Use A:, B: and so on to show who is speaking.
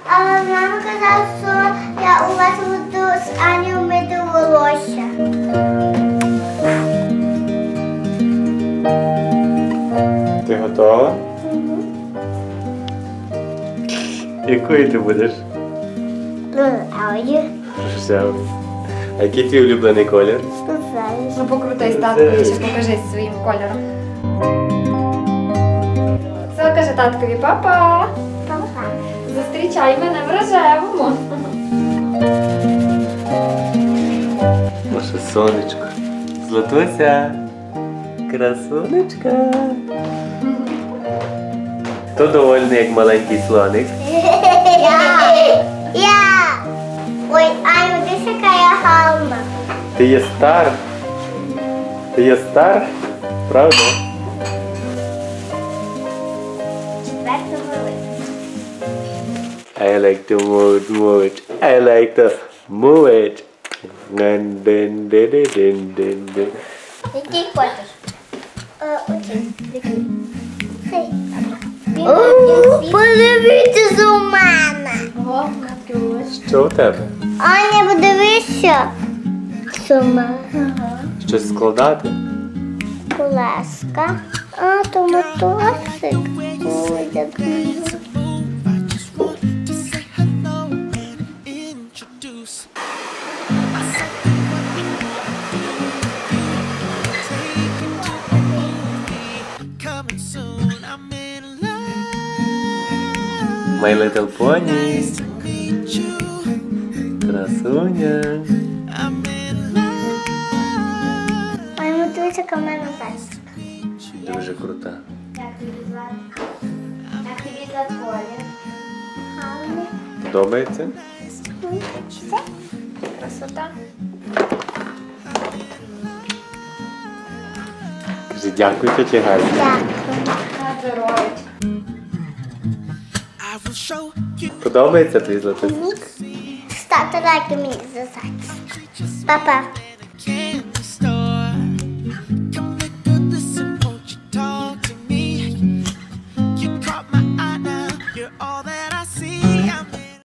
A: А мама казала, що я у вас буду з Анею мити волосся.
B: Ти готова? Якою ти будеш? Рожевою. А який твій улюблений колір?
C: Ну покрутись, таткові, ще покажись своїм кольором. Все, каже таткові, папа.
A: Папа.
C: Зустрічай мене в рожевому.
B: Наше сонечко. Златуся. Красунечка. Хто довольний, як маленький слоник?
A: Я. Ой, Аню, дивись, яка я гарна.
B: Ти є стар? Ти є стар? Правда?
A: Четверта велика.
B: I like to move it. I like to move it. Дин-дин-дин-дин-дин.
A: Який хочеш? Оцей. Цей. Подивіться у мене.
C: О, Катюш.
B: Що у тебе?
A: Аня, подивися. Сума.
B: Щось складати?
A: Колеска. А, то мотоцик. Ой, як мило.
B: My Little Pony. Красуня.
A: Ой, мотоцик, яка в мене песик.
B: Дуже крута.
C: Як тобі звати? Як тобі звати колір?
A: Гарний.
B: Подобається?
A: Все.
C: Красота.
B: Кажи, дякую, тетя Галя.
A: Дякую.
C: На здоров'я.
B: Подобається твій златусечка?
A: Ставте лайки мені за зачіску. Па-па.